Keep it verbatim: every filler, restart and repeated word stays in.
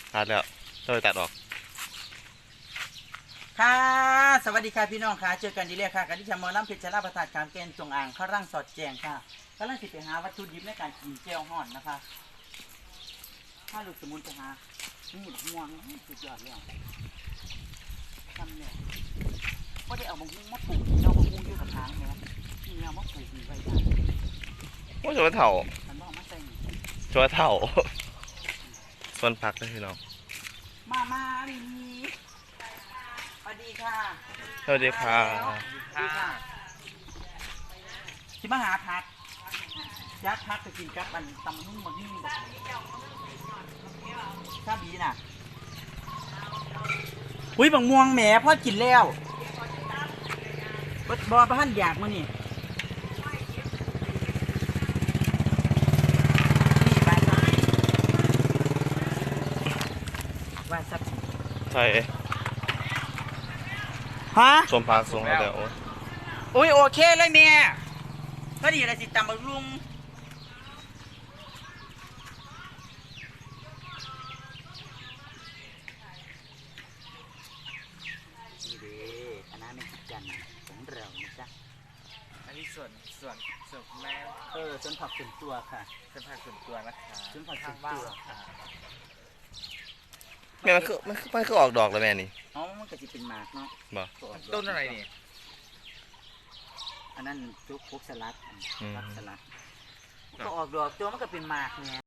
ตัดแล้วต้องตัดออกค่ะสวัสดีค่ะพี่น้องค่ะเจอกันดีเลยค่ะกันที่ชมอลำเพชรชลาประทานการเกณฑ์จงอ่างข้าร่างสอดแจงค่ะกำลังสิไปหาวัตถุดิบในการกินเจลห่อนนะคะถ้าลูกสมุนไปหานี่ม่วงสุดยอดเลยทำเนี่ยก็ได้เอาบางหุ้งมาปลูกเราบางหุ้งอยู่กับทางเนี่ยที่เรามาปลูกมีไว้ได้โอ้ยชัวเถ่าฉันบอกมาใส่ชัวเถ่าส่วนผักนะพี่น้องมามาลีสวัสดีค่ะสวัสดีค่ะที่มาหาพักยัดพักจะกินกับมันตำนุ่มมันนิ่มแบบชาบีน่ะอุ้ยบางม่วงแหมพ่อกินแล้วบอบอประหันอยากมานี่นี่ไปว่าสักใช่ฮะส่วนผักส่วนอะไรโอ้ยโอ้ยโอเคเลยเมียพอดีอะไรสิตำบักลุงนี่เด้คณะไม่คิดกันของเรานะจ๊ะอันนี้ส่วนส่วนส่วนแม่เออส่วนผักส่วนตัวค่ะส่วนผักส่วนตัวนะคะส่วนผักส่วนตัวค่ะแม่มันคือมันคือมันคือออกดอกแล้วแม่นี่อ๋อมันก็จะเป็นหมากเนาะบ่ต้นอะไรนี่อันนั้นจุกพวกสลัดผักสลัดก็ออกดอกตัวมันก็เป็นหมากไง